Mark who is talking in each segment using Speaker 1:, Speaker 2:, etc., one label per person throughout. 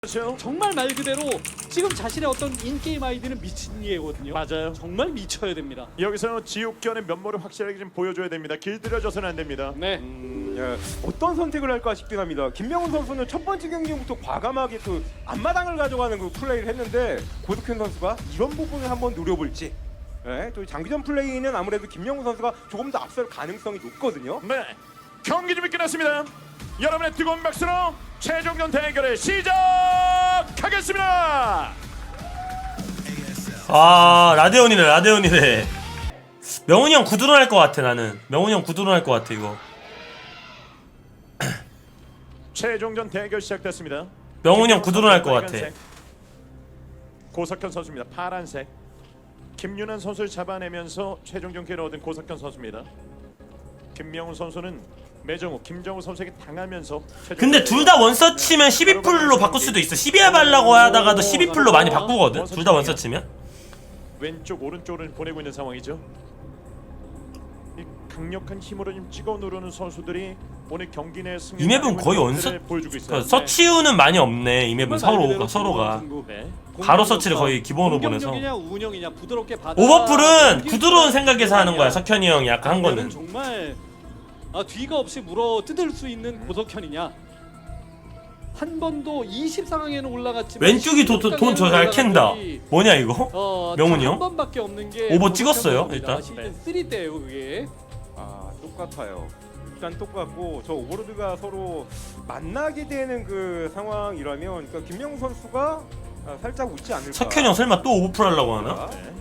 Speaker 1: 그렇죠.
Speaker 2: 정말 말 그대로 지금 자신의 어떤 인게임 아이디는 미친 예거든요.
Speaker 1: 맞아요.
Speaker 2: 정말 미쳐야 됩니다.
Speaker 1: 여기서 지옥견의 면모를 확실하게 좀 보여줘야 됩니다. 길들여져서는 안 됩니다.
Speaker 2: 네.
Speaker 3: 예, 어떤 선택을 할까 싶긴 합니다. 김명훈 선수는 첫 번째 경기부터 과감하게 그 앞마당을 가져가는 그 플레이를 했는데 고득현 선수가 이런 부분을 한번 노려볼지. 예, 또 장기전 플레이는 아무래도 김명훈 선수가 조금 더 앞설 가능성이 높거든요.
Speaker 1: 네. 경기 준비 끝났습니다. 여러분의 뜨거운 박수로 최종전 대결을 시작하겠습니다.
Speaker 4: 아 라데온이래. 명훈이 형 구두로 할 것 같아. 나는 명훈이 형 구두로 할 것 같아 이거.
Speaker 1: 최종전 대결 시작됐습니다.
Speaker 4: 명훈이 형 구두로 할 것 같아.
Speaker 1: 빨간색. 고석현 선수입니다. 파란색. 김윤환 선수를 잡아내면서 최종전 기회를 얻은 고석현 선수입니다. 김명훈 선수는 매정우, 김정우 선수에게 당하면서
Speaker 4: 근데 둘 다 원서치면 12풀로 바꿀 수도 있어. 12합 하려고 하다가도 12풀로 많이 바꾸거든. 둘 다 원서치면.
Speaker 1: 왼쪽 오른쪽을 보내고 있는 상황이죠. 이 강력한 힘으로 좀 찍어 누르는 선수들이 오늘 경기 내 승리.
Speaker 4: 이 맵은 거의 원서
Speaker 1: 보여주고 있어요.
Speaker 4: 서치우는 많이 없네. 이 맵은
Speaker 2: 정말 말 그대로
Speaker 4: 서로가
Speaker 2: 승부.
Speaker 1: 네.
Speaker 4: 바로 서치를 거의 기본으로 보내서.
Speaker 2: 공격력이냐 운영이냐 부드럽게 받아.
Speaker 4: 오버풀은 구두로운 생각에서 하는 거야. 석현이 형이 아까 한 거는.
Speaker 2: 정말 뒤가 없이 물어 뜯을 수 있는 고석현이냐. 한 번도 20 상황에는 올라갔지만
Speaker 4: 왼쪽이 돈 저 잘 캔다. 뭐냐 이거? 명훈이 형?
Speaker 2: 한 번밖에 없는 게
Speaker 4: 오버 찍었어요, 일단.
Speaker 2: 시즌 3 때요 그게.
Speaker 3: 아 똑같아요. 일단 똑같고 저 오버로드가 서로 만나게 되는 그 상황이라면 그러니까 김명훈 선수가 살짝 웃지 않을까.
Speaker 4: 석현이 형 설마 또 오버풀 하려고 하나?
Speaker 1: 네.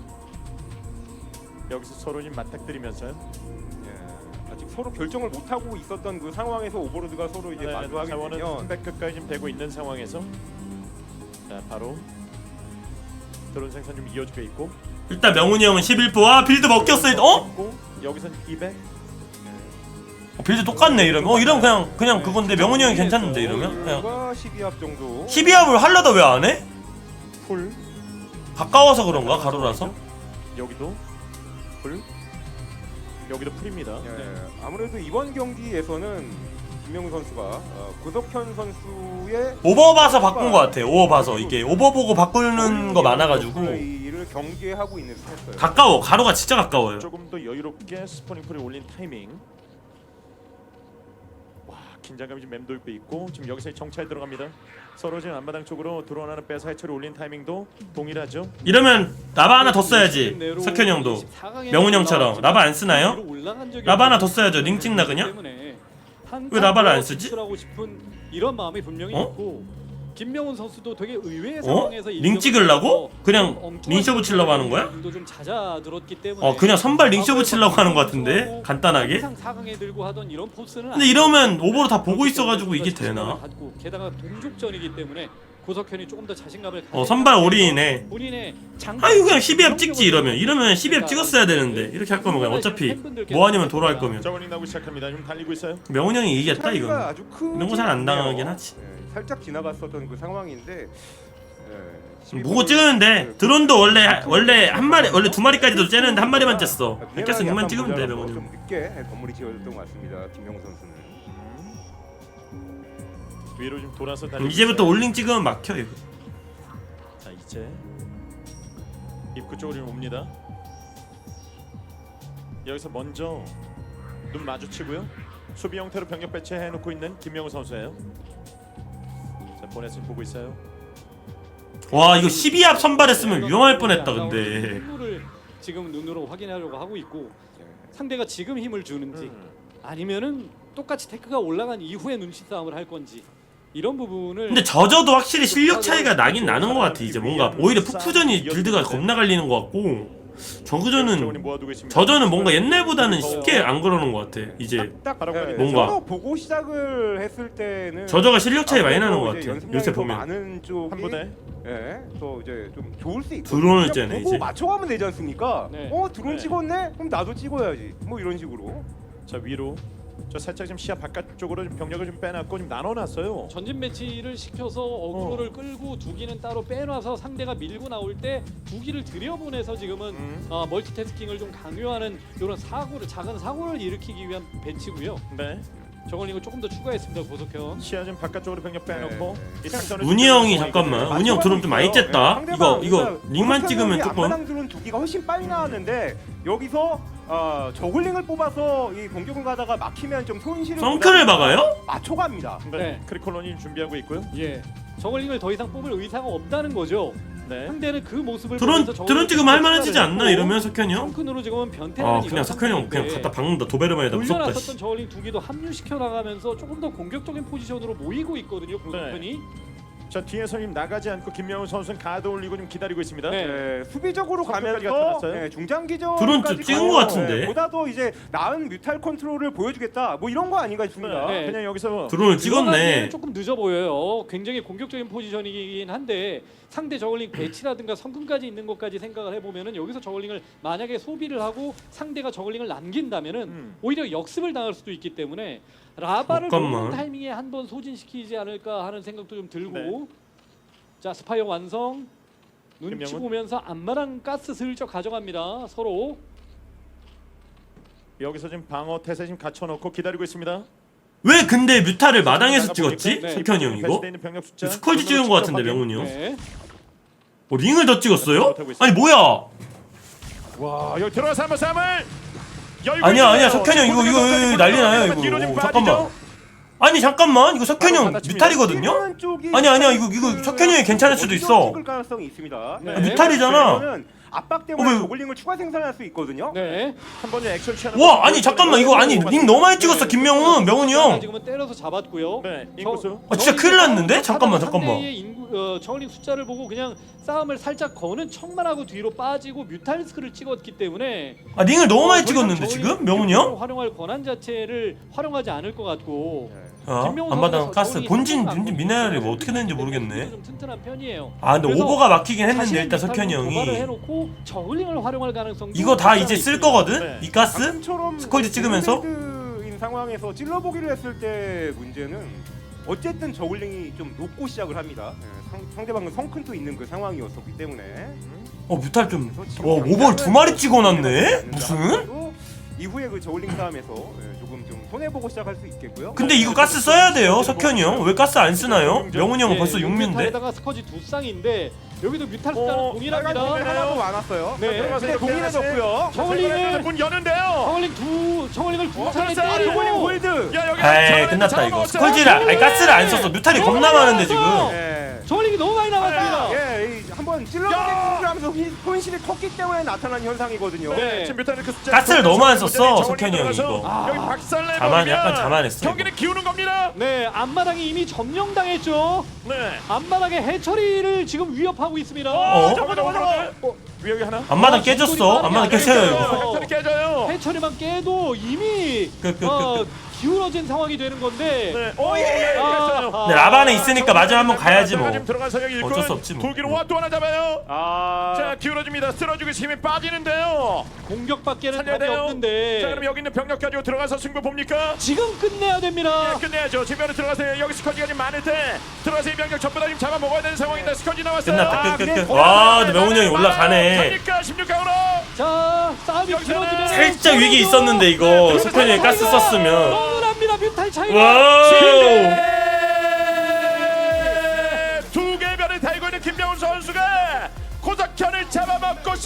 Speaker 1: 여기서 서로 좀 맞닥뜨리면서요.
Speaker 3: 아직 서로 결정을 못 하고 있었던 그 상황에서 오버로드가 서로 이제 마주하게
Speaker 1: 자원은
Speaker 3: 되면
Speaker 1: 300끝까지 좀 되고 있는 상황에서 자 바로 드론 생산 좀 이어지고 있고.
Speaker 4: 일단 명훈이 형은 11포. 아 빌드 먹혔어. 어?
Speaker 1: 여기선 200.
Speaker 4: 빌드 똑같네 이러면. 이러면 그냥 그건데 명훈이 형이 괜찮은데 이러면 그냥
Speaker 3: 12합 정도.
Speaker 4: 12합을 하려다 왜 안 해?
Speaker 1: 풀.
Speaker 4: 가까워서 그런가 가로라서?
Speaker 1: 여기도 풀. 여기도 풀입니다.
Speaker 3: 아무래도 이번 경기에서는 김명훈 선수가 고석현 선수의
Speaker 4: 오버 봐서 바꾼 것 같아. 오버 봐서 이게 오버 보고 바꾸는 거 많아가지고
Speaker 3: 플레이를 경계하고 있는 스타였어요.
Speaker 4: 가까워. 가로가 진짜 가까워요.
Speaker 1: 조금 더 여유롭게 스포닝 풀을 올린 타이밍. 와 긴장감이 좀 맴돌고 있고 지금 여기서 정찰 들어갑니다. 서로 지금 앞마당 쪽으로 드론하는 빼서 해처리 올린 타이밍도 동일하죠.
Speaker 4: 이러면 라바 하나 더 써야지. 석현이 형도 명훈 형처럼 라바 안 쓰나요? 라바 하나 더 써야죠. 링 찍나 그냥? 왜 라바를 안 쓰지?
Speaker 2: 싶은 이런 마음이 분명히 있고 김명훈 선수도 되게 의외의
Speaker 4: 어?
Speaker 2: 상황에서
Speaker 4: 링 찍으려고? 그냥 링쇼 붙이려고 하는 거야?
Speaker 2: 좀 잦아들었기 때문에
Speaker 4: 그냥 선발 링쇼 붙이려고 하는 것 같은데? 간단하게?
Speaker 2: 항상 4강에 들고 하던 이런 포스는
Speaker 4: 근데 이러면 오버로 다 보고 있어가지고 이게 되나?
Speaker 2: 게다가 동족전이기 때문에 고석현이 조금 더 자신감을
Speaker 4: 선발 올인이네.
Speaker 2: 본인의
Speaker 4: 아유 그냥 12합 찍지 이러면 12합 찍었어야 되는데 이렇게 할 거면 그냥 어차피 뭐 아니면 도로 할 거면
Speaker 1: 저울링 나오기 시작합니다. 지금 달리고 있어요.
Speaker 4: 명훈 형이 이기겠다
Speaker 3: 차이가
Speaker 4: 이건.
Speaker 3: 아주 큰
Speaker 4: 이런 거 잘 안 당하긴 하지.
Speaker 3: 살짝 지나갔었던 그 상황인데
Speaker 4: 보고 찍었는데 드론도 원래 한 마리 원래 두 마리까지도 째는데 한 마리만 쨌어. 깼으면 그만 찍으면 돼 명훈
Speaker 3: 좀
Speaker 4: 형.
Speaker 3: 늦게 건물이 지어졌던 것 같습니다. 김명훈 선수는.
Speaker 1: 위로 좀 돌아서 달리고
Speaker 4: 이제부터
Speaker 1: 있어요.
Speaker 4: 올링 찍으면 막혀 이거.
Speaker 1: 자 이제 입구 쪽으로 좀 옵니다. 여기서 먼저 눈 마주치고요. 수비 형태로 병력 배치해 놓고 있는 김명우 선수예요. 자 보내서 보고 있어요.
Speaker 4: 와 이거 12합 선발했으면 위험할 뻔했다 근데.
Speaker 2: 힘을 지금 눈으로 확인하려고 하고 있고 상대가 지금 힘을 주는지 아니면은 똑같이 테크가 올라간 이후에 눈치 싸움을 할 건지 이런 부분을.
Speaker 4: 근데 저저도 확실히 실력 차이가 나긴 나는 것 같아. 이제 뭔가 오히려 푸푸전이 빌드가 겁나 갈리는 것 같고 저저는 뭔가 옛날보다는 쉽게 안 그러는 것 같아. 이제 뭔가.
Speaker 3: 저도 보고 시작을 했을 때는
Speaker 4: 저저가 실력 차이 많이 나는 것
Speaker 3: 아무래도
Speaker 4: 같아.
Speaker 3: 연습량이
Speaker 4: 요새
Speaker 3: 더
Speaker 4: 보면
Speaker 3: 많은 쪽이
Speaker 1: 한 분에
Speaker 3: 또 이제 좀 좋을 수 있고
Speaker 4: 드론을 째네,
Speaker 3: 보고
Speaker 4: 이제.
Speaker 3: 맞춰가면 되지 않습니까?
Speaker 2: 네.
Speaker 3: 드론
Speaker 1: 네.
Speaker 3: 찍었네? 그럼 나도 찍어야지. 뭐 이런 식으로.
Speaker 1: 자 위로 저 살짝 좀 시야 바깥쪽으로 좀 병력을 좀 빼놨고 좀 나눠놨어요.
Speaker 2: 전진 배치를 시켜서 어그로를 끌고 두기는 따로 빼놔서 상대가 밀고 나올 때 두기를 들여보내서 지금은 멀티태스킹을 좀 강요하는 이런 작은 사고를 일으키기 위한 배치고요.
Speaker 1: 네.
Speaker 2: 저걸링을 조금 더 추가했습니다. 고석현.
Speaker 1: 시야 좀 바깥쪽으로 병력 빼놓고 이 상전을
Speaker 4: 운이 형이 잠깐만 운이 형 드론 좀 많이 쬐다. 이거 링만 찍으면 조금
Speaker 3: 앞마당 드론 두 개가 훨씬 빨리 나왔는데 여기서 저글링을 뽑아서 이 공격을 가다가 막히면 좀 손실을
Speaker 4: 썬크를 막아요?
Speaker 3: 맞춰갑니다.
Speaker 2: 네.
Speaker 1: 크리콜론이 준비하고 있고요.
Speaker 2: 예. 저걸링을 더 이상 뽑을 의사가 없다는 거죠.
Speaker 1: 네.
Speaker 2: 상대는 그 모습을
Speaker 4: 드론
Speaker 2: 보면서
Speaker 4: 드론 찍으면 할만해지지 않나 이러면 석현이 형?
Speaker 2: 성큰으로 지금은 변태는
Speaker 4: 아 그냥 석현이 형 그냥 갖다 박는다. 도베르만에다 무섭다.
Speaker 2: 올려놨었던 저울링 두 개도 합류시켜 나가면서 조금 더 공격적인 포지션으로 모이고 있거든요. 고석현이.
Speaker 1: 자 뒤에서 님 나가지 않고 김명훈 선수는 가드 올리고 좀 기다리고 있습니다.
Speaker 2: 네.
Speaker 3: 네, 수비적으로
Speaker 1: 성격까지
Speaker 3: 가면서
Speaker 1: 나타났어요?
Speaker 3: 중장기전
Speaker 4: 드론 좀 찍은 것 같은데?
Speaker 3: 보다 더 이제 나은 뮤탈 컨트롤을 보여주겠다 뭐 이런 거 아닌가 싶습니다.
Speaker 2: 네.
Speaker 1: 그냥 여기서
Speaker 4: 드론을
Speaker 2: 들어가기에는
Speaker 4: 찍었네.
Speaker 2: 조금 늦어 보여요. 굉장히 공격적인 포지션이긴 한데 상대 저글링 배치라든가 성큰까지 있는 것까지 생각을 해보면은 여기서 저글링을 만약에 소비를 하고 상대가 저글링을 남긴다면은 오히려 역습을 당할 수도 있기 때문에 라바를
Speaker 4: 잠깐만.
Speaker 2: 놓는 타이밍에 한번 소진시키지 않을까 하는 생각도 좀 들고
Speaker 1: 네.
Speaker 2: 자 스파이어 완성 눈치
Speaker 1: 김명훈.
Speaker 2: 보면서 앞마당 가스 슬쩍 가져갑니다. 서로
Speaker 1: 여기서 지금 방어 태세 지금 갖춰놓고 기다리고 있습니다.
Speaker 4: 왜 근데 뮤타를 마당에서
Speaker 1: 나가보니까
Speaker 4: 찍었지?
Speaker 2: 네.
Speaker 4: 석현이 형 이거?
Speaker 1: 배치돼 있는 병력 숫자.
Speaker 4: 스컬지 찍은 것 같은데 명훈이 형?
Speaker 2: 네.
Speaker 4: 링을 더 찍었어요? 아니 뭐야?
Speaker 1: 와 여기 들어가서 한번 싸움을.
Speaker 4: 아니야 석현이 형 이거 난리 나요 이거. 잠깐만. 아니 잠깐만 이거 석현이 형 뮤탈이거든요?
Speaker 3: 뛰는 쪽이
Speaker 4: 아니야 이거 석현이 형이 괜찮을 수도 있어.
Speaker 3: 찍을 가능성이 있습니다.
Speaker 2: 네.
Speaker 4: 뮤탈이잖아.
Speaker 3: 그러면은 압박 때문에
Speaker 4: 왜?
Speaker 3: 저글링을 추가 생산할 수 있거든요.
Speaker 2: 네.
Speaker 1: 한 번에 액션 취하는.
Speaker 4: 와 아니 잠깐만 이거 아니 링 너무 많이 찍었어 김명훈 명훈이 형.
Speaker 2: 지금은 때려서 잡았고요.
Speaker 1: 네 인구수.
Speaker 4: 아 진짜 큰일 났는데? 잠깐만.
Speaker 2: 상대의 저울링 숫자를 보고 그냥 싸움을 살짝 거는 척만 하고 뒤로 빠지고 뮤탈리스크를 찍었기 때문에
Speaker 4: 아 링을 너무 많이
Speaker 2: 더 이상
Speaker 4: 찍었는데
Speaker 2: 저울링
Speaker 4: 지금 명훈이 형?
Speaker 2: 활용할 권한 자체를 활용하지 않을 것 같고
Speaker 4: 어?
Speaker 2: 김명훈
Speaker 4: 안마당
Speaker 2: 선수가
Speaker 4: 가스
Speaker 2: 저울링이
Speaker 4: 본진
Speaker 2: 상당히 많거든요.
Speaker 4: 미네랄이 뭐 어떻게 되는지 모르겠네.
Speaker 2: 좀 튼튼한 편이에요.
Speaker 4: 아 근데
Speaker 2: 그래서
Speaker 4: 오버가 막히긴 했는데
Speaker 2: 자신의
Speaker 4: 일단 석현이
Speaker 2: 뮤탈로 도발을
Speaker 4: 형이
Speaker 2: 해놓고 저울링을 활용할 가능성
Speaker 4: 이거 다 이제 쓸 거거든?
Speaker 1: 네.
Speaker 4: 이 가스?
Speaker 3: 방금처럼
Speaker 4: 스컬지 찍으면서?
Speaker 3: 인 상황에서 찔러보기를 했을 때 문제는 어쨌든 저글링이 좀 높고 시작을 합니다. 상대방은 성큰도 있는 그 상황이었었기 때문에
Speaker 4: 뮤탈 좀 오버를 두 마리 찍어놨네? 무슨?
Speaker 3: 이후에 그 저글링 싸움에서 조금 좀 손해보고 시작할 수 있겠고요.
Speaker 4: 근데 이거 가스 써야 돼요 석현이 형. 왜 가스 안 쓰나요? 명훈이 형은 벌써 6뮤인데?
Speaker 2: 뮤탈에다가 스커지 두 쌍인데 여기도 뮤탈 숫자는
Speaker 1: 어,
Speaker 2: 동일합니다.
Speaker 3: 하나도 많았어요.
Speaker 2: 네.
Speaker 3: 근데 동일해졌고요.
Speaker 2: 저글링을
Speaker 1: 문 여는데요.
Speaker 2: 저글링 두 차례
Speaker 1: 벌써
Speaker 2: 때리고
Speaker 3: 저글링 골드.
Speaker 1: 야 여기.
Speaker 4: 에이 끝났다 이거. 스컬지를 아니 가스를 안 썼어. 뮤탈이 겁나 많은데 지금.
Speaker 3: 예.
Speaker 2: 저글링이 너무 많이 남았습니다.
Speaker 3: 한번 찔러보기를 하면서 손실이 컸기 때문에 나타난 현상이거든요.
Speaker 2: 네.
Speaker 1: 지금 뮤탄의 그 숫자.
Speaker 4: 가스를 너무 안 썼어,
Speaker 1: 저글링
Speaker 4: 석현이 형이
Speaker 1: 들어가서
Speaker 4: 이거.
Speaker 1: 여기 박살내.
Speaker 4: 약간 자만했어,
Speaker 1: 경기는 기우는 겁니다.
Speaker 2: 네, 앞마당이 이미 점령당했죠.
Speaker 1: 네.
Speaker 2: 앞마당의 해처리를 지금 위협하고 있습니다.
Speaker 1: 잠깐만. 위력이 하나.
Speaker 4: 앞마당 깨졌어. 앞마당 깨져요 이거.
Speaker 1: 해철이 깨져요.
Speaker 2: 해처리만 깨도 이미
Speaker 4: 그.
Speaker 2: 기울어진 상황이 되는 건데.
Speaker 1: 네. 오 예.
Speaker 2: 아,
Speaker 4: 근데 라반에 있으니까 마지막 한번 가야지 뭐.
Speaker 1: 지금 들어가서 여기 일꾼
Speaker 4: 어쩔 수 없지 뭐.
Speaker 1: 돌기로 와또 하나 잡아요.
Speaker 3: 아,
Speaker 1: 자 기울어집니다. 쓸어주고 힘이 빠지는데요.
Speaker 2: 공격밖에는
Speaker 1: 살려야
Speaker 2: 답이
Speaker 1: 돼요.
Speaker 2: 없는데.
Speaker 1: 자 그럼 여기 있는 병력 가지고 들어가서 승부 봅니까?
Speaker 2: 지금 끝내야 됩니다.
Speaker 1: 예, 끝내야죠. 지면에 들어가세요. 여기 스커지가 지금 많을 때 들어가서 이 병력 전부 다 지금 잡아 먹어야 되는 상황인데 스커지 나왔어요.
Speaker 4: 끝났다 끝.
Speaker 1: 그냥
Speaker 4: 와 근데 명훈이 형이 올라가네.
Speaker 1: 갑니까 16강으로.
Speaker 2: 자, 싸움이
Speaker 1: 여기서
Speaker 2: 길어지면
Speaker 4: 살짝 위기 있었는데 이거 석현이 형이 가스 썼으면.
Speaker 2: 너무 납니다. 뮤탈 차이가.
Speaker 4: 와우.
Speaker 1: 두 개별을 달고 있는 김명훈 선수가 고석현을 잡아먹고